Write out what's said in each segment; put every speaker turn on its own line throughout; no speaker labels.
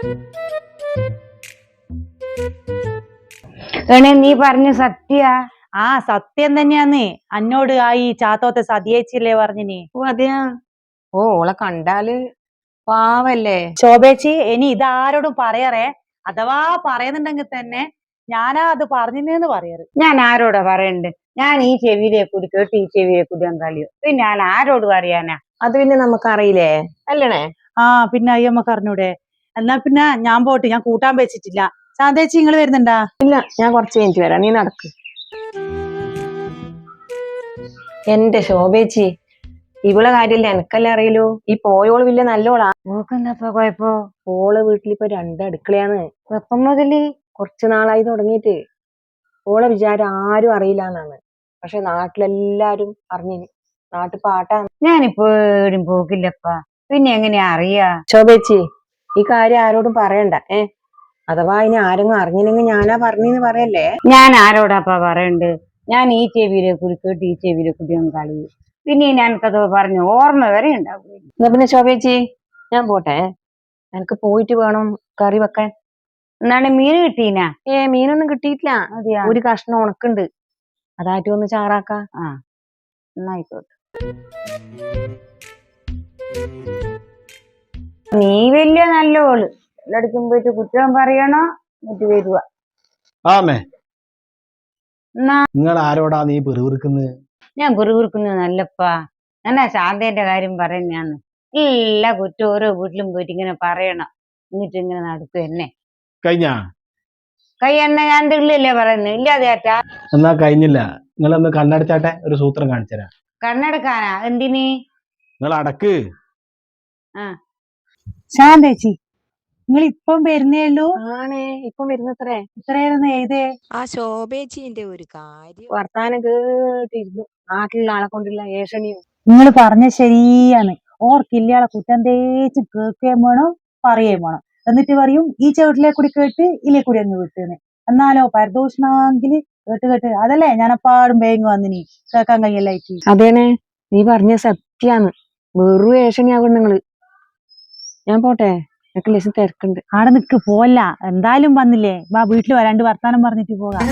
നീ പറഞ്ഞ സത്യ?
ആ സത്യം തന്നെയാന്ന്. അന്നോട് ആ ഈ ചാത്തോത്തെ സതിയേച്ചില്ലേ പറഞ്ഞിനി.
ഓ അതെയാ? ഓ ഓളെ കണ്ടാല് പാവല്ലേ.
ശോഭേച്ചി, ഇനി ഇതാരോടും പറയറേ. അഥവാ പറയുന്നുണ്ടെങ്കിൽ തന്നെ ഞാനാ അത് പറഞ്ഞെന്ന് പറയാറ്.
ഞാൻ ആരോടാ പറയണ്ട്? ഞാൻ ഈ ചെവിയിലെ കൂടി കേട്ട് ഈ ചെവിയിലെ കൂടി കളിയോ. പിന്നെ ഞാൻ ആരോട് പറയാനാ? അത് പിന്നെ നമുക്കറിയില്ലേ അല്ലണേ?
ആ പിന്നെ അയ്യമ്മക്ക് അറിഞ്ഞൂടെ? എന്നാ പിന്നെ ഞാൻ പോട്ട്, ഞാൻ കൂട്ടാൻ വെച്ചിട്ടില്ല. ശാന്തേച്ചി നിങ്ങൾ വരുന്നുണ്ടാ?
ഇല്ല, ഞാൻ കുറച്ച് കഴിഞ്ഞിട്ട് വരാം, നീ നടക്ക്. എന്റെ ശോഭേച്ചി, ഇവളെ കാര്യമില്ല എനക്കല്ലേ അറിയലോ. ഈ പോയോള് വലിയ നല്ലോളാ.
നോക്കുന്നപ്പ കുഴപ്പോ?
ഓള് വീട്ടിലിപ്പോ 2 അടുക്കളയാന്ന്. എപ്പം മുതല്? കുറച്ചു നാളായി തുടങ്ങിയിട്ട്. ഓളെ വിചാരം ആരും അറിയില്ല എന്നാണ്. പക്ഷെ നാട്ടിലെല്ലാരും അറിഞ്ഞിന്. നാട്ടിൽ പാട്ടാണ്.
ഞാനിപ്പോ എവിടെയും പോകില്ലപ്പാ, പിന്നെ എങ്ങനെയാ അറിയാ?
ശോഭേച്ചി, ഈ കാര്യം ആരോടും പറയണ്ട. അഥവാ ഇനി ആരെങ്കിലും അറിഞ്ഞില്ലെങ്കിൽ ഞാനാ പറഞ്ഞെന്ന് പറയല്ലേ. ഞാൻ ആരോടാപ്പാ പറയണ്ട്? ഞാൻ ഈ ചെവിയിലെ കൂടി കേട്ട് ഈ ചെവിയിലെ കൂടി കളി. പിന്നെ ഞാനത് പറഞ്ഞു ഓർമ്മ വരെ ഉണ്ടാവും. എന്നാ പിന്നെ ശോഭേച്ചി, ഞാൻ പോട്ടെ. എനിക്ക് പോയിട്ട് വേണം കറി വെക്കാൻ.
എന്നാണ് മീൻ കിട്ടീനാ?
മീനൊന്നും കിട്ടിയിട്ടില്ല.
അതെയാ?
ഒരു കഷ്ണം ഉണക്കുണ്ട്, അതായിട്ട് ഒന്ന് ചാറാക്ക.
ആ എന്നായിക്കോട്ടെ. നീ വലിയ നല്ലോള്, എല്ലായിടത്തും പോയിട്ട് കുറ്റം പറയണോ എന്നിട്ട് വരുക.
ആമേ, നിങ്ങൾ ആരോടാ നീ പെറുവിറുക്കുന്നത്?
ഞാൻ പെറുവിറുക്കുന്നത് നല്ലപ്പാ. എന്നാ ശാന്തേന്റെ കാര്യം പറയുന്നയാന്ന്. എല്ലാ കുറ്റം ഓരോ വീട്ടിലും പോയിട്ട് ഇങ്ങനെ പറയണം, എന്നിട്ട് ഇങ്ങനെ നടക്കും എന്നെ.
കഴിഞ്ഞാ
കൈ എണ്ണ ഞാൻ ഉള്ളിലല്ലേ പറയുന്നത്, ഇല്ലാതെ ആറ്റാ?
എന്നാ കഴിഞ്ഞില്ല. നിങ്ങളൊന്ന് കണ്ണടച്ചാട്ടെ, ഒരു സൂത്രം കാണിച്ചുതരാം.
കണ്ണെടുക്കാനാ? എന്തിന്?
നിങ്ങൾ അടക്ക്.
ശാന്തേച്ചി, നിങ്ങൾ ഇപ്പം വരുന്നേ ഉള്ളൂ?
ആണേ, ഇപ്പം വരുന്നത്രേ.
ഇത്രയായിരുന്നു എഴുതേ?
ആ ശോഭേച്ചിന്റെ ഒരു കാര്യം
വർത്താനം കേട്ടിരുന്നു. നാട്ടിലുള്ള ആളെ കൊണ്ടുള്ള ഏഷണിയും.
നിങ്ങൾ പറഞ്ഞ ശരിയാണ്. ഓർക്കില്ലയാളെ കുറ്റം തേച്ച് കേൾക്കുകയും വേണം, പറയുകയും വേണം. എന്നിട്ട് പറയും ഈ ചവിട്ടിലെ കൂടി കേട്ട് ഇല്ലേ കൂടി അങ്ങ് വിട്ടുന്ന്. എന്നാലോ പരദൂഷണമെങ്കിൽ കേട്ട് കേട്ട് അതല്ലേ ഞാനപ്പാടും വേഗം വന്നിനി കേൾക്കാൻ കഴിയല്ലായിട്ട്.
അതേനെ, നീ പറഞ്ഞ സത്യാന്ന്. വെറും ഏഷണിയാകും നിങ്ങള്. ഞാൻ പോട്ടെ, എനിക്ക് ലേശം തിരക്കുണ്ട്.
ആടെ നിക്ക് പോല്ല, എന്തായാലും വന്നില്ലേ, വാ വീട്ടിൽ വരാണ്ട് വർത്താനം പറഞ്ഞിട്ട് പോകാം.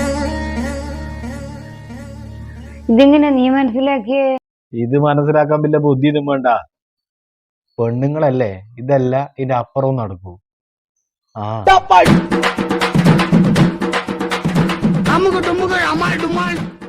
ഇതെങ്ങനെ നീ മനസ്സിലാക്കിയേ?
ഇത് മനസ്സിലാക്കാൻ വലിയ ബുദ്ധി ഇതും വേണ്ട. പെണ്ണുങ്ങളല്ലേ, ഇതല്ല ഇതിന്റെ അപ്പുറവും നടക്കൂ. ആ